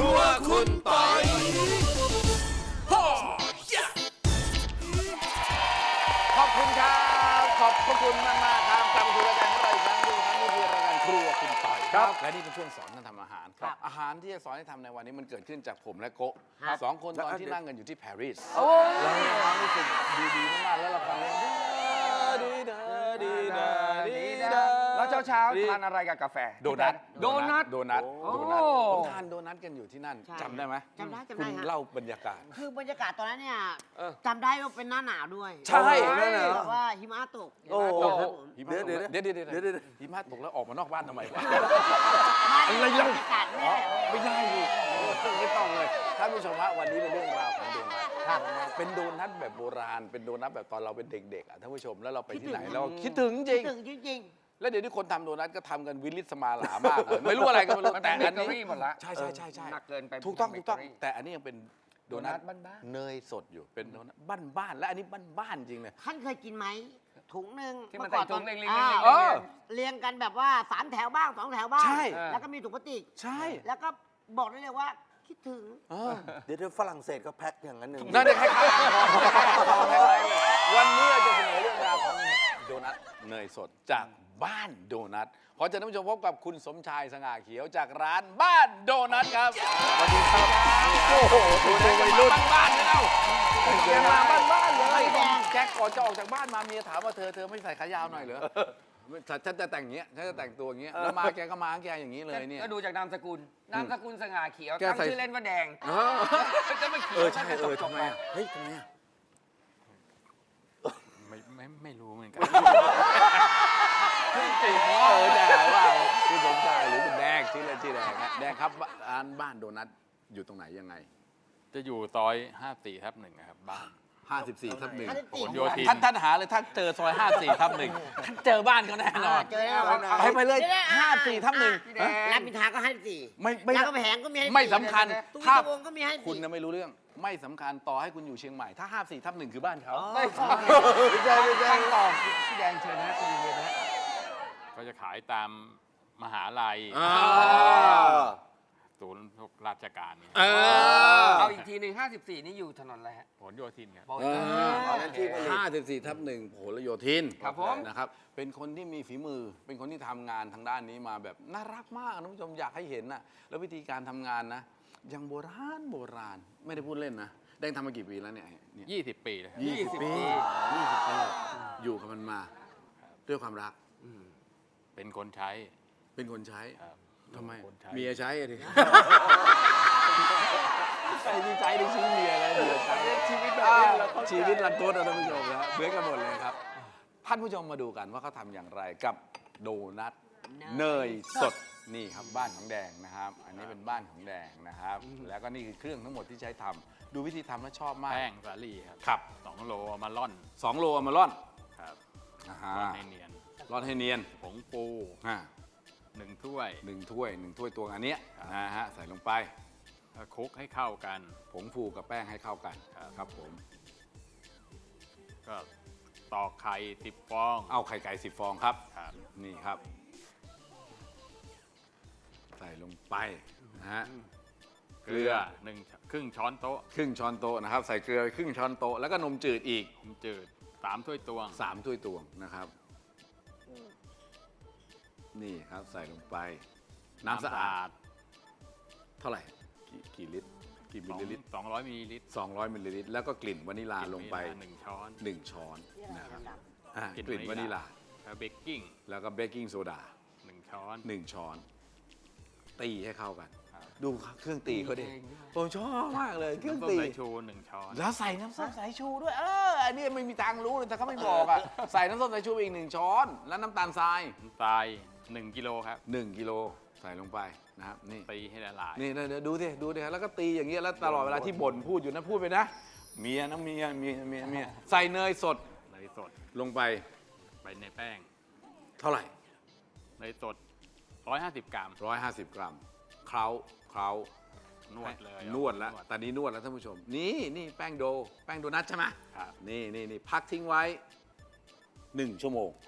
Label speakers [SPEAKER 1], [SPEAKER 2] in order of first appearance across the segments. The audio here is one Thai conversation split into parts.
[SPEAKER 1] รัวคุณปอยขอบคุณครับขอบพระคุณมากๆครับกลับมาสู่รายการของเราอีกครั้งหนึงครับนี่คือรายการครัวคุณปอยครับและนี่เป็นช่วงสอนการทำอาหารครับอาหารที่จะสอนให้ทำในวันนี้มันเกิดขึ้นจากผมและโกะสองคนตอนที่นั่งกันอยู่ที่ปารีสเรามีความรู้สึกดีๆมากๆแล้วเราฟังเพลง
[SPEAKER 2] แล้วเช้าๆทานอะไรกับกาแฟ
[SPEAKER 1] โดนัท ผมทานโดนัทกันอยู่ที่นั่นจำได้ไหม
[SPEAKER 3] จำได้
[SPEAKER 1] คุณ
[SPEAKER 3] ฮะ
[SPEAKER 1] เล่าบรรยากาศ
[SPEAKER 3] คือบรรยากาศตอนนั้นเนี่ยจำได้ว่าเป็นหน้าหนาวด้วย
[SPEAKER 1] ใช่
[SPEAKER 3] แบบว่าหิมะตก
[SPEAKER 1] โอ้โห
[SPEAKER 3] หิมะตก
[SPEAKER 1] เดี๋ยวหิมะตกแล้วออกมานอกบ้านทำไมวะ
[SPEAKER 3] ไม่บรรยากาศแน่
[SPEAKER 1] ไม่ได้ดิไม่ต้องเลยท่านผู้ชมฮะวันนี้เป็นเรื่องราวของโดนัทครับเป็นโดนัทแบบโบราณเป็นโดนัทแบบตอนเราเป็นเด็กๆอ่ะท่านผู้ชมแล้วเราไปที่ไหนเราคิดถึงจริง
[SPEAKER 3] ถึงจริง
[SPEAKER 1] แล้วเดี๋ยวนี้คนทำโดนัทก็ทำกันวิลิสมาหลามากเลยไม่รู้อะไรก็ไม่รู้
[SPEAKER 2] มัน
[SPEAKER 1] แต่
[SPEAKER 2] เป็น
[SPEAKER 1] อัน
[SPEAKER 2] เบเกอรี่
[SPEAKER 1] นี้
[SPEAKER 2] หมดละ
[SPEAKER 1] ใช่
[SPEAKER 2] หนักเกินไป
[SPEAKER 1] ถูกต้อง
[SPEAKER 2] เป็นเบเกอรี่
[SPEAKER 1] แต่อันนี้ยังเป็นโดนัท
[SPEAKER 2] โดนัทบ้านๆ
[SPEAKER 1] เนยสดอยู่เป็นโดนัทบ้านๆและอันนี้บ้านๆจริงเลย
[SPEAKER 3] ๆท่านเคยกินไหมถุงหนึ่ง
[SPEAKER 2] ที่มัน
[SPEAKER 3] เอก่อ
[SPEAKER 2] ใส่ถุงเล็กๆ
[SPEAKER 3] อ่า
[SPEAKER 1] เออ
[SPEAKER 3] เรียงกันแบบว่า3แถวบ้าง2แถวบ้าง
[SPEAKER 1] ใช่
[SPEAKER 3] แล้วก็มีถุงพลาสติก
[SPEAKER 1] ใช่
[SPEAKER 3] แล้วก็บอกได้เลยว่าคิดถึง
[SPEAKER 4] เดี๋ยวฝรั่งเศสก็แพ็คอย่างนั้นหนึ่ง
[SPEAKER 1] นั่นเด็กคล้ายๆวันนี้เราจะเสนอเรื่องราวของโดนัทเนยสดจากบ้านโดนัทขอเชิญท่านผู้ชมพบกับคุณสมชายสง่าเขียวจากร้านบ้านโดนัทครับสวัสดีครับโอ้โหดูวัยรุ่นบ้านๆเลยเอ้าแกมาบ้านๆเลยแกก่อนจะออกจากบ้านมาเมียถามว่าเธอไม่ใส่ขายาวหน่อยเหรอฉันจะแต่งอย่างเงี้ยฉันจะแต่งตัวอย่างเงี้ยแล้วมาแกก็มาแกอย่างนี้เลยเนี่ย
[SPEAKER 2] ก็ดูจากนามสกุลสง่าเขียว
[SPEAKER 1] แก
[SPEAKER 2] ตั้ง
[SPEAKER 1] ใส่
[SPEAKER 2] ชื่อเล่นว่าแดง
[SPEAKER 1] เออ
[SPEAKER 2] จะไม่เขียว
[SPEAKER 1] ใช่
[SPEAKER 2] จะจบ
[SPEAKER 1] ทำไม
[SPEAKER 2] ไป
[SPEAKER 1] อ่ะเฮ้ยทำไมอ่ะ
[SPEAKER 5] ไม่รู้เหมือนกัน
[SPEAKER 1] จริงแต่ว่าคุณสมชายหรือคุณแดงชื่อเล่นชื่อแดงฮะแดงครับร้านบ้านโดนัทอยู่ตรงไหนยังไง
[SPEAKER 5] จะอยู่ซอย 54/1ครับบ้าน
[SPEAKER 1] 54/1
[SPEAKER 5] ผลโยธิน
[SPEAKER 1] ท่านหาเลยถ้าเจอซอย 54/1ท่านเจอบ้านเขาแน่นอน
[SPEAKER 3] เจอแน่นอน
[SPEAKER 1] ไปเลย
[SPEAKER 3] เดี๋ยวนะ
[SPEAKER 1] 54/1
[SPEAKER 3] รามอินทราก็ให้สี่
[SPEAKER 1] ไม่
[SPEAKER 3] รามคำแหงก็มีให้
[SPEAKER 1] ไม่สำคัญ
[SPEAKER 3] ตุ้
[SPEAKER 1] ถ้า
[SPEAKER 3] วงก็มีให้
[SPEAKER 1] คุณน่ะไม่รู้เรื่องไม่สำคัญต่อให้คุณอยู่เชียงใหม่ถ้า 54/1 คือบ้านเขา
[SPEAKER 2] ไม่ใช่
[SPEAKER 3] ตั้งต่อ
[SPEAKER 2] พี่แดงเชิญนะคุณเย็นนะ
[SPEAKER 5] ก็จะขายตามมหาลัย ศูนย์ราชการเนี่ย
[SPEAKER 2] เอาอีกทีหนึ่ง54 นี่อยู่ถนนอะไรฮะ
[SPEAKER 5] ผลโยธินครับ
[SPEAKER 1] 54/1ผลโยธิน
[SPEAKER 2] ครับผม
[SPEAKER 1] นะครับเป็นคนที่มีฝีมือเป็นคนที่ทำงานทางด้านนี้มาแบบน่ารักมากนะคุณผู้ชมอยากให้เห็นนะแล้ววิธีการทำงานนะยังโบราณไม่ได้พูดเล่นนะแดงทำมากี่ปีแล้วเนี่ย
[SPEAKER 5] 20 ปีเลยครับ
[SPEAKER 1] 20 ปีอยู่กับมันมาด้วยความรัก
[SPEAKER 5] เป็นคนใช้
[SPEAKER 1] เป็นคนใช้
[SPEAKER 5] ครับ
[SPEAKER 1] ทำไม
[SPEAKER 5] คนใช้
[SPEAKER 1] เมียใช้อะดิใส่ที่ใช้ในชีวิตเมียอะไรเมียใช้ชีวิตแบบนี้ชีวิตรันทดนะท่านผู้ชมนะเหมือนกันหมดเลยครับท่านผู้ชมมาดูกันว่าเขาทำอย่างไรกับโดนัทเนยสดนี่ครับบ้านของแดงนะครับ อันนี้เป็นบ้านของแดงนะครับ แล้วก็นี่คือเครื่องทั้งหมดที่ใช้ทำดูวิธีทำแล้วชอบมาก
[SPEAKER 5] แป้งสาลี่ครับ
[SPEAKER 1] ครับ
[SPEAKER 5] 2 โลเอามาร่อน
[SPEAKER 1] 2 โลเอามาร่อน
[SPEAKER 5] ครับ
[SPEAKER 1] อ่า
[SPEAKER 5] ร่อนให้เนียน
[SPEAKER 1] ร่อนให้เนียน
[SPEAKER 5] ผงปู 1 ถ้วย
[SPEAKER 1] หนึ่งถ้วยตวงอันเนี้ยนะฮะใส่ลงไป
[SPEAKER 5] แล้วคลุกให้เข้ากัน
[SPEAKER 1] ผงฟูกับแป้งให้เข้ากันครับผม
[SPEAKER 5] ก็ตอกไข่10 ฟอง
[SPEAKER 1] เอาไข่ไก่10 ฟองครับ
[SPEAKER 5] ครับ
[SPEAKER 1] นี่ครับ ใส่ลงไปนะฮะ
[SPEAKER 5] เกลือครึ่งช้อนโต๊ะ
[SPEAKER 1] ครึ่งช้อนโต๊ะนะครับ ใส่เกลือครึ่งช้อนโต๊ะแล้วก็นมจืดอีก
[SPEAKER 5] นมจืด3 ถ้วยตวง
[SPEAKER 1] 3 ถ้วยตวงนะครับ นี่ครับใส่ลงไป น้ำสะอาดเท่าไหร่กี่ลิตรกี่มิลลิลิตร
[SPEAKER 5] 200 มิลลิลิตร
[SPEAKER 1] 200 มิลลิลิตรแล้วก็กลิ่นวานิลาลงไป
[SPEAKER 5] 1 ช้อน
[SPEAKER 1] 1 ช้อนนะครับ
[SPEAKER 5] กลิ่น
[SPEAKER 1] กลิ่นวาว
[SPEAKER 5] านิ
[SPEAKER 1] นิ
[SPEAKER 5] ลา
[SPEAKER 1] ลา
[SPEAKER 5] แล้วเบกกิ้ง
[SPEAKER 1] แล้วก็เบกกิ้งโซดา
[SPEAKER 5] 1 ช้อน
[SPEAKER 1] 1 ช้อน ตีให้เข้ากัน
[SPEAKER 5] ครับ
[SPEAKER 1] ดูเครื่องตีเขาดิผมชอบมากเลยเครื่อง
[SPEAKER 5] น้ำส้ม
[SPEAKER 1] ตี
[SPEAKER 5] สายชู1 ช้อน
[SPEAKER 1] แล้วใส่น้ำส้มสายชูด้วยอันนี้ไม่มีทางรู้เลยแต่เขาไม่บอกอ่ะ ใส่น้ำส้มสายชูอีก1 ช้อน แล้วน้ำตาลทราย
[SPEAKER 5] น้ำตาล1 กิโลครับ
[SPEAKER 1] 1 กิโลใส่ลงไปนะครับนี่
[SPEAKER 5] ตีให้ละลาย
[SPEAKER 1] นี่เดี๋ยวดูดิแล้วก็ตีอย่างเงี้ยแล้วตลอดเวลาที่บ่นพูดอยู่นะพูดไปนะเมียนะเมียใส่เนยสด
[SPEAKER 5] เนยสด
[SPEAKER 1] ลงไป
[SPEAKER 5] ไปในแป้ง
[SPEAKER 1] เท่าไหร่
[SPEAKER 5] เนยสด 150 กรัม
[SPEAKER 1] 150 กรัมเคล้าน
[SPEAKER 5] วดเลย
[SPEAKER 1] นวดแล้วตอนนี้นวดแล้วท่านผู้ชมนี่แป้งโดนัทใช่ไหม
[SPEAKER 5] ครับ
[SPEAKER 1] นี่พักทิ้งไว้1 ชั่วโมง
[SPEAKER 5] ครับ
[SPEAKER 1] พั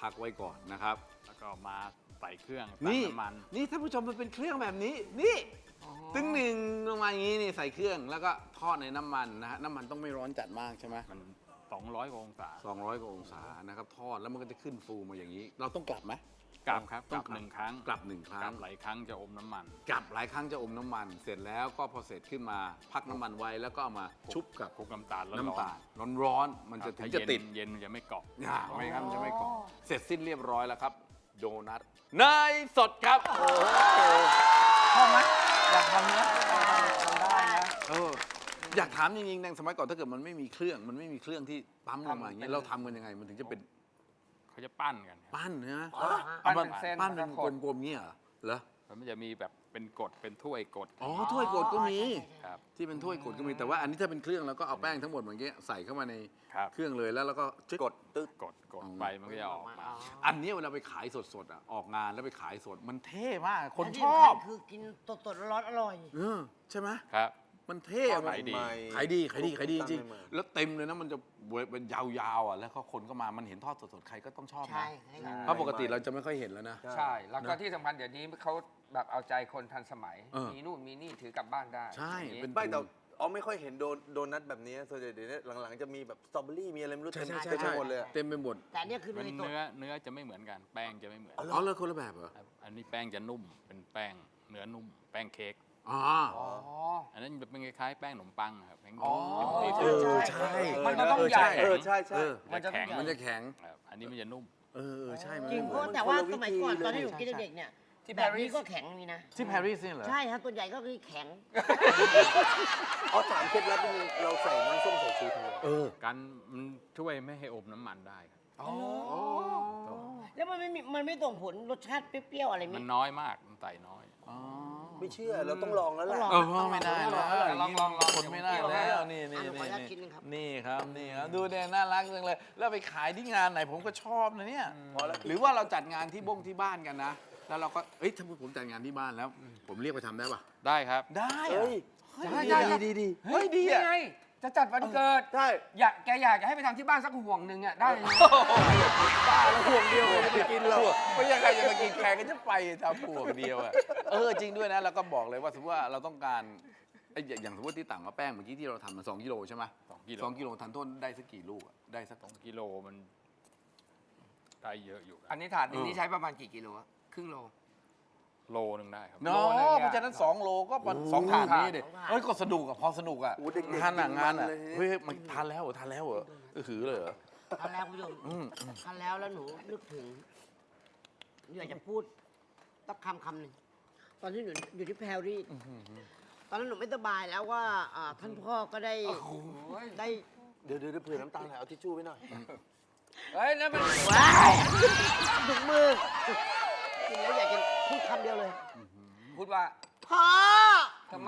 [SPEAKER 1] พักไว้ก่อนนะครับ
[SPEAKER 5] แล้วก็มาใส่เครื่อง
[SPEAKER 1] นี่
[SPEAKER 5] ตั้งน้ำมัน
[SPEAKER 1] นี่ท่านผู้ชมมันเป็นเครื่องแบบนี้ นี่ตึงหนึ่งลงมาอย่างนี้นี่ใส่เครื่องแล้วก็ทอดในน้ำมันนะฮะน้ำมันต้องไม่ร้อนจัดมากใช่ไหม
[SPEAKER 5] มัน 200 กว่าองศา
[SPEAKER 1] 200 กว่าองศานะครับทอดแล้วมันก็จะขึ้นฟูมาอย่างนี้ เราต้องกลับไหม
[SPEAKER 5] กลับครับ
[SPEAKER 1] ต้
[SPEAKER 5] ก
[SPEAKER 1] อ
[SPEAKER 5] ลั
[SPEAKER 1] ง
[SPEAKER 5] บ
[SPEAKER 1] กลับ
[SPEAKER 5] หนึ่งครั้ง
[SPEAKER 1] กลับ1 ครั้
[SPEAKER 5] กลั
[SPEAKER 1] ง
[SPEAKER 5] บหลายครั้งจะอมน้ำมัน
[SPEAKER 1] กลับหลายครั้งจะอมน้ำมัน เสร็จแล้วก็พอเสร็จขึ้นมาพักน้ำมันไว้แล้วก็เอามาชุบกับ
[SPEAKER 5] คลุกน้ำตาลร้อน
[SPEAKER 1] น้ำตาลร้อนๆมันจะถึงจะติด
[SPEAKER 5] เย็นมันจะไม่เกาะ
[SPEAKER 1] ไม่งั้นมันจะไม่เกาะเสร็จสิ้นเรียบร้อยแล้วครับ โดนัทเนยสดครับ
[SPEAKER 2] ชอบไหมอยากทำเนี้ยทำได้นะ
[SPEAKER 1] อยากถามจริงๆในสมัยก่อนถ้าเกิดมันไม่มีเครื่องที่ปั๊มลงมาอย่างนี้เราทำกันยังไงมันถึงจะเป็น
[SPEAKER 5] เขาจะปั้นกันครับ
[SPEAKER 1] ปั้นเนื้อ
[SPEAKER 2] ปั้นเป็นเส้น
[SPEAKER 1] ปั้นเป็น
[SPEAKER 2] แล้วก็ขด
[SPEAKER 1] กลมๆเงี้ยเหรอ
[SPEAKER 5] มันจะมีแบบเป็นกดเป็นถ้วยกด
[SPEAKER 1] อ๋อถ้วยกดก็มี
[SPEAKER 5] ครับ
[SPEAKER 1] ที่เป็นถ้วยกดก็มีแต่ว่าอันนี้ถ้าเป็นเครื่องแล้วก็เอาแป้งทั้งหมดเมื่อกี้ใส่เข้ามาใน
[SPEAKER 5] ครับ
[SPEAKER 1] เครื่องเลยแล้วเราก็จึ๊
[SPEAKER 4] กดตึ๊ด
[SPEAKER 5] กดไปมันก็จะออกมา
[SPEAKER 1] อันนี้เวลาไปขายสดๆอ่ะออกงานแล้วไปขายสดมันเท่มากคน
[SPEAKER 3] และ
[SPEAKER 1] ช
[SPEAKER 3] ที่
[SPEAKER 1] อ
[SPEAKER 3] สำคั
[SPEAKER 1] บ
[SPEAKER 3] ญคือกินสดๆร้อนๆอร่อย
[SPEAKER 1] ใช่ไหม
[SPEAKER 5] ครับ
[SPEAKER 1] มันเท่
[SPEAKER 5] ขายดี
[SPEAKER 1] ขายดีจริง
[SPEAKER 4] ใหม่
[SPEAKER 1] ๆแล้วเต็มเลยนะมันจะเป็นยาวๆอ่ะแล้วก็คนก็มามันเห็นทอดสดๆใครก็ต้องชอบนะ
[SPEAKER 3] ใช่ใช่
[SPEAKER 1] เพราะปกติเราจะไม่ค่อยเห็นแล้วนะ
[SPEAKER 2] ใช่ แล้วก็ที่สำคัญเดี๋ยวนี้เขาแบบเอาใจคนทันสมัย มีนู่นมีนี่ถือกลับบ้านได้
[SPEAKER 1] ใช่
[SPEAKER 2] อย่างนี้
[SPEAKER 1] เป็น
[SPEAKER 4] ไม่แต่ไม่ค่อยเห็นโดนัทแบบนี้ส่วนใหญ่เดี๋ยวนี้หลังๆจะมีแบบสตรอเบอรี่มีอะไรไม่รู้
[SPEAKER 1] ใช่
[SPEAKER 4] เต็ม
[SPEAKER 1] ใช่
[SPEAKER 4] เต็มไป
[SPEAKER 1] ใช่
[SPEAKER 4] หมดเลยอะ
[SPEAKER 1] เต็มไปหมด
[SPEAKER 3] แต่อันเนี่ยคือ
[SPEAKER 5] มัน
[SPEAKER 3] เนยสด
[SPEAKER 5] เนื้อจะไม่เหมือนกัน แป้งจะไม่เหมือน
[SPEAKER 1] อ๋อเลยคนละแบบเหรอ
[SPEAKER 5] ครับอันนี้แป้งจะนุ่มเป็นแป้งเนื้อนุ่มแป้งเค้ก
[SPEAKER 1] อ๋อ
[SPEAKER 2] อ๋อ
[SPEAKER 5] อันนั้นจะเป็นคล้ายๆแป้งขนมปังครับแป้ง
[SPEAKER 2] อ๋อ
[SPEAKER 5] ตี
[SPEAKER 1] เออใช่
[SPEAKER 2] มันก็ต้องใหญ่
[SPEAKER 4] ใช่ใช่
[SPEAKER 5] มันจะแข็ง
[SPEAKER 1] มันจะแข็ง
[SPEAKER 5] ครับอันนี้มันจะนุ่ม
[SPEAKER 1] ใช่มัน
[SPEAKER 3] จริง
[SPEAKER 1] ไม่
[SPEAKER 3] เพ
[SPEAKER 1] เหมื
[SPEAKER 3] ราะ
[SPEAKER 1] อน
[SPEAKER 3] แต่ว่า
[SPEAKER 4] คนละวิธี
[SPEAKER 3] สมัยก่อน
[SPEAKER 4] เลย
[SPEAKER 3] ตอนที่หนูกินเด็กๆเนี่ย
[SPEAKER 2] ที่
[SPEAKER 3] แบบนี้
[SPEAKER 2] Paris
[SPEAKER 3] ก็แข็งมีนะ
[SPEAKER 1] ที่ปารีสเนี่ยเหรอ
[SPEAKER 3] ใช่ครับตัวใหญ่ก็คือแข็ง
[SPEAKER 4] เอาถามเคล็ดลับนิดนึงเราใส่น้ำส้มสายชูทำไม
[SPEAKER 5] กันมันช่วยไม่ให้อมน้ำมันได้ครับ
[SPEAKER 2] อ๋อ
[SPEAKER 3] แล้วมันไม่ส่งผลรสชาติเปรี้ยวๆอะไรไหม
[SPEAKER 5] มันน้อยมากมันใส่น้อย
[SPEAKER 4] ไม่เชื่อเราต้องลองแล้วแหละ
[SPEAKER 1] ไม่ได้แล้ว
[SPEAKER 2] ลอง
[SPEAKER 1] คนไม่ได้แล้วนี่
[SPEAKER 3] อ่ะหนูขออนุญาตกินนึงครับ
[SPEAKER 1] นี่ครับนี่ครับดูเนี่ยน่ารักจังเลยแล้วไปขายที่งานไหนผมก็ชอบนะเนี่ย
[SPEAKER 4] พอแล้ว
[SPEAKER 1] หรือว่าเราจัดงานที่ที่บ้านกันนะ แล้วเราก็เอ้ยถ้าผมจัดงานที่บ้านแล้ว ผมเรียกไปทำได้ปะ
[SPEAKER 5] ได้ครับ
[SPEAKER 1] ได้
[SPEAKER 4] เฮ้ย
[SPEAKER 2] ได้
[SPEAKER 4] ดี
[SPEAKER 1] เฮ้ยดี
[SPEAKER 2] นี่
[SPEAKER 1] อ่ะ
[SPEAKER 2] ไงจะจัดวันเกิด
[SPEAKER 4] ใช่
[SPEAKER 2] แกอยากจะให้ไปทำที่บ้านสักห่วงหนึ่งอ่ะได้เลย
[SPEAKER 1] บ้าแล้วห่วงเดียวจะไปกินเราไม่ใช่ใครจะมากินแขกก็จะไปทำห่วงเดียวอ่ะจริงด้วยนะแล้วก็บอกเลยว่าสมมติว่าเราต้องการอย่างสมมติที่ต่างว่าแป้งเมื่อกี้ที่เราทำมา2 กิโลใช่ไหม
[SPEAKER 5] 2 กิโล
[SPEAKER 1] 2 กิโลทันต้นได้สักกี่ลูกอะได้สัก
[SPEAKER 5] 2 กิโลมันได้เยอะอยู่ค
[SPEAKER 2] อั
[SPEAKER 5] รับ
[SPEAKER 2] นนี้ถาดนี้ใช้ประมาณกี่กิโลอะครึ่งโล
[SPEAKER 5] โลนึงได้ครับ
[SPEAKER 1] เนาะ
[SPEAKER 2] โลนึงอะ
[SPEAKER 1] เพราะฉะนั้น2 โลก็สองถาดนี้ดิ
[SPEAKER 3] สองถาด
[SPEAKER 1] ก็สนุกอะพอสนุกอะ
[SPEAKER 4] โอ้เด็กๆ
[SPEAKER 1] งานอะงานอะ
[SPEAKER 4] กินมันเลยทีนี้
[SPEAKER 1] เฮ้ยมันทานแล้วเหรอทานแล้วเหรอหือเลยเหรอ
[SPEAKER 3] ทานแล้วคุณผู้ชมทานแล้วหนูนึกถึงอยากจะพูดสักคำหนึ่งตอนที่หนูอยู่ที่แพรรี่ตอนนั้นหนูไม่สบายแล้วว่าท่านพ่อก็ได้ได้
[SPEAKER 4] เดี๋ยวเผื่อน้ำตาลหน่อยเอาทิชชู่ไว้หน่อย
[SPEAKER 2] เฮ้ยนั่นมัน
[SPEAKER 3] ว้ายถุงมือกินแล้วอยากจะพูดคำเดียวเลย
[SPEAKER 2] พูดว่า
[SPEAKER 3] พ่อ
[SPEAKER 2] ทำไม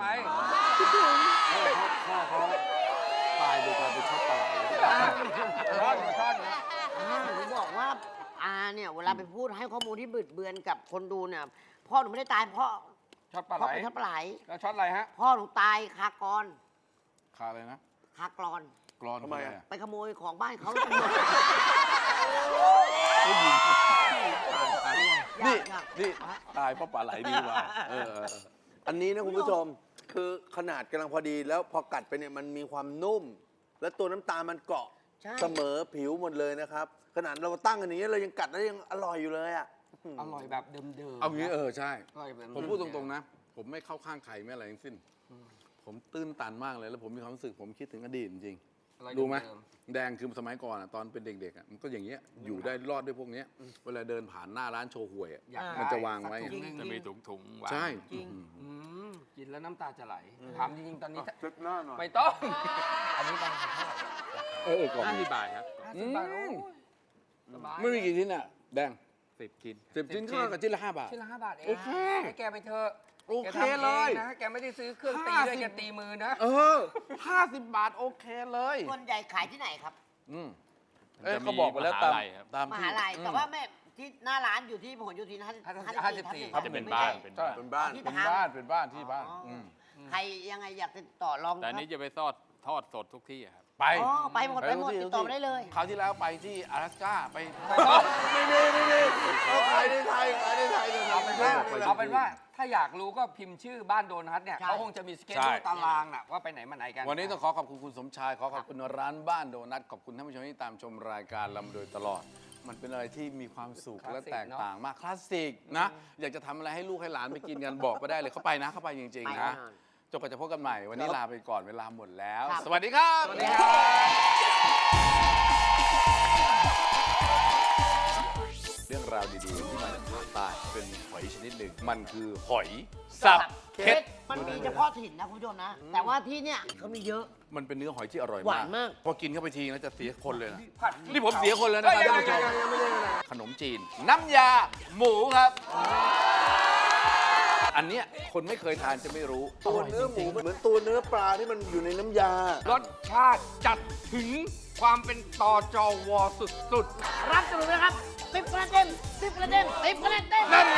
[SPEAKER 1] พ่อเขาตายโดยการไปช็อปปลาไหล
[SPEAKER 2] ท่อนนะ
[SPEAKER 3] หนูบอกว่าเนี่ยเวลาไปพูดให้ข้อมูลที่บิดเบือนกับคนดูเนี่ยพ่อหนูไม่ได้ตายเพราะ
[SPEAKER 2] ช็อตปลาไห
[SPEAKER 3] พ่
[SPEAKER 2] ล
[SPEAKER 3] อเป็นทับปลาไหล
[SPEAKER 2] แล้วช็อตอะไรฮะ
[SPEAKER 3] พ่อหนูตายคากร
[SPEAKER 1] คาอะไรนะ
[SPEAKER 3] คากรอน
[SPEAKER 1] กรอน
[SPEAKER 4] ทำไมอะ
[SPEAKER 3] ไปขโมยของบ้านเขา
[SPEAKER 1] นี่นี่ตายเพราะปลาไหลดีกว่า
[SPEAKER 4] อันนี้นะคุณผู้ชมคือขนาดกำลังพอดีแล้วพอกัดไปเนี่ยมันมีความนุ่ม และตัวน้ำตาลมันเกาะ
[SPEAKER 3] ใช่
[SPEAKER 4] เสมอผิวหมดเลยนะครับ ขนาดเราตั้งอันนี้เรายังกัดแล้วยังอร่อยอยู่เลยอ่ะ
[SPEAKER 2] อร่อยแบบเดิมๆ
[SPEAKER 1] เอางี้ใช่
[SPEAKER 2] อร่อยแบบ
[SPEAKER 1] ผมพูดตรงๆนะ ผมไม่เข้าข้างใครไม่อะไรทั้งสิ้น ผมตื้นตันมากเลยแล้วผมมีความรู้สึกผมคิดถึงอดีตจริง
[SPEAKER 2] ออย
[SPEAKER 1] รู้ไหม
[SPEAKER 2] เดิ
[SPEAKER 1] แดงคือสมัยก่อนอะตอนเป็นเด็กๆอะมันก็อย่างเงี้ยอยู่ได้รอดด้วยพวกเนี้ยเวลาเดินผ่านหน้าร้านโชห่วยอะ
[SPEAKER 2] อยากได้
[SPEAKER 1] มันจะวางไว้
[SPEAKER 2] สักถุงหนึ่ง
[SPEAKER 5] จะมีถุงวาง
[SPEAKER 1] ใช่
[SPEAKER 3] จริง
[SPEAKER 2] อืมกินแล้วน้ำตาจะไหล ถามจริงๆตอนนี้
[SPEAKER 4] เช็ดหน้าหน่อย
[SPEAKER 2] ไม่ต้อง อันนี้มันเท่าไหร่
[SPEAKER 1] ก่อน
[SPEAKER 5] 50 บาทครับ
[SPEAKER 2] 50 บาทโอ้ยสบาย
[SPEAKER 1] ไม่มีกี่ชิ้นอะแดง
[SPEAKER 5] 10 กิน
[SPEAKER 1] 10 ชิ้นก็กับชิ้นละ5 บาท
[SPEAKER 2] ชิ้นละ5 บาทเอง
[SPEAKER 1] โอเค
[SPEAKER 2] ให้แกไปเถอะ
[SPEAKER 1] โอเค
[SPEAKER 2] แกทำง
[SPEAKER 1] เลย
[SPEAKER 2] นะแกไม่ได้ซื้อเครื่องตีด้วยแกตีมือนะ
[SPEAKER 1] 50 บาทโอเคเลย
[SPEAKER 3] ส่วนใหญ่ขายที่ไหนครับ
[SPEAKER 1] เขาบอกไปแล้วตาม
[SPEAKER 5] มหาลัยครับ
[SPEAKER 1] ตาม
[SPEAKER 3] ม
[SPEAKER 1] ที่
[SPEAKER 3] หาลัยแต่ว่าแม่ที่หน้าร้านอยู่ที่พหลโยธิน
[SPEAKER 2] 54
[SPEAKER 5] จะเป็นบ้านเป็น
[SPEAKER 1] ใช่
[SPEAKER 5] บ้าน
[SPEAKER 1] เป็นบ้านเป็นบ้านที่บ้าน
[SPEAKER 3] ใครยังไงอยากติดต่อลอง
[SPEAKER 5] แต่อันนี้จะไปทอดสดทุกที่อะครับ
[SPEAKER 1] ไป
[SPEAKER 3] อ๋อไปหมดไปหมด
[SPEAKER 1] ทุก
[SPEAKER 3] ติดต่อมาได้เลย
[SPEAKER 1] คราวที่แล้วไปที่อลาสก้าไป
[SPEAKER 4] ไม่ดีเอาขายในไทยขายในไทยเถอะครั
[SPEAKER 2] เอาเป็นว่าถ้าอยากรู้ก็พิมพ์ชื่อบ้านโดนัทเนี่ย
[SPEAKER 3] ใช่
[SPEAKER 2] เขาคงจะมีสเกจ
[SPEAKER 1] ใช่
[SPEAKER 2] ตารางน่ะว่าไปไหนมาไหนกัน
[SPEAKER 1] วันนี้ต้องขอขอบคุณคุณสมชายขอขอบคุณร้านบ้านโดนัทขอบคุณท่านผู้ชมที่ตามชมรายการเรามาโดยตลอด มันเป็นอะไรที่มีความสุข
[SPEAKER 2] คลาสสิก
[SPEAKER 1] และแตกต่างมากคลาสสิกนะ อยากจะทำอะไรให้ลูกให้หลานไปกินกันบอกไปได้เลยเข้าไปนะเข้าไปจริง
[SPEAKER 3] ไป
[SPEAKER 1] ๆ
[SPEAKER 3] แน่
[SPEAKER 1] นะ
[SPEAKER 3] นอน
[SPEAKER 1] จนกว่าจะพบกันใหม่วันนี้ลาไปก่อนเวลาหมดแล้ว
[SPEAKER 3] ครับ
[SPEAKER 1] สวัสดีครับ
[SPEAKER 2] สวัสดีครับ
[SPEAKER 1] เรื่องราวดีๆที่มาจากภาคใต้เป็นหอยชนิดหนึ่งมันคือหอยสับเค็ด
[SPEAKER 3] มันมีเฉพาะถิ่นนะคุณผู้ชมนะ แต่ว่าที่เนี่ยเขามีเยอะ
[SPEAKER 1] มันเป็นเนื้อหอยที่อร่อย
[SPEAKER 3] หวานมาก
[SPEAKER 1] พอกินเข้าไปทีแล้วจะเสียคนเลยนะ
[SPEAKER 2] ผัด
[SPEAKER 1] นี่ผมเสียคนแล้วนะครับท่านผู้ชมขนมจีน น้ำยาหมูครับ อันเนี้ยคนไม่เคยทานจะไม่รู้
[SPEAKER 4] ตัวเนื้อหมูเหมือนตัวเนื้อปลาที่มันอยู่ในน้ำยา
[SPEAKER 2] รสชาติจัดถึงความเป็นตอจอวอสุดๆ
[SPEAKER 3] รับสรุปนะครับ10 คะแนนเต็ม10 คะแนนเต็ม10 คะแนนเต็ม
[SPEAKER 1] นั่นไง